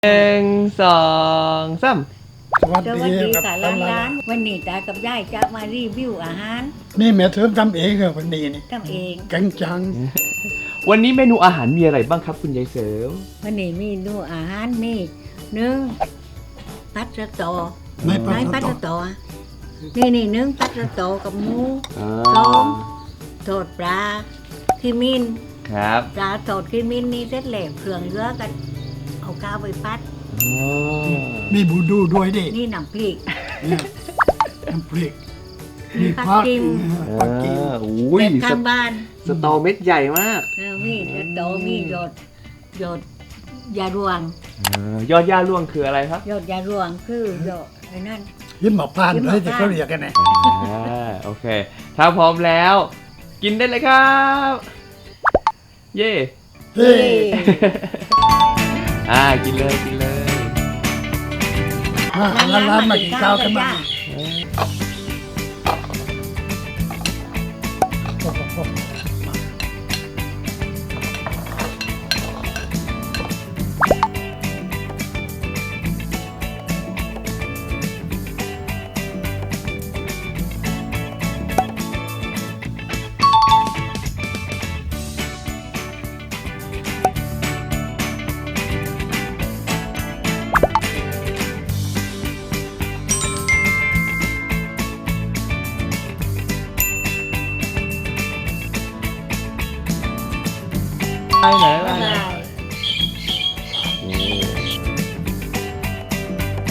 1 2 3 สวัสสดีวัสดีครับค่ะร้านวันนี้ตากับยายจะมารีวิวอาหารนี่แม่เทิมทำเองเหรอวันนี้นี่ทำเองแกงจังวันนี้เมนูอาหารมีอะไรบ้างครับคุณยายเสริมวันนี้มีดูอาหารมีหนึ่งปัสสตอในปลาปัสตสกตอนี่หนึ่งปัสสตอกับหมูอ่าส้มทอดปลาขีมินครับปลาทอดขีมินนี่เสร็จแล้วเครื่องเยอะกัน เอาข้าวไปพัดอ๋อมีบูดูด้วยดินี่น้ำพริกเนี่ยน้ำพริกมีผักกิมผักกิมอุ้ยแบบข้างบ้านสตอเม็ดใหญ่มากมีปัสสตอมีหยดยารวงยอดย่าล่วงคืออะไรครับหยดยารวงคือหยดไอ้นั่นยิ้มหมอกพานยิ้มหมเลอกยที่พานเขาเรียกกันไงโอเค ถ้าพร้อมแล้ว กินได้เลยครับ เย่เฮ้ยกินเลยกินเลยร้านมากินข้าวกันมาไปไหน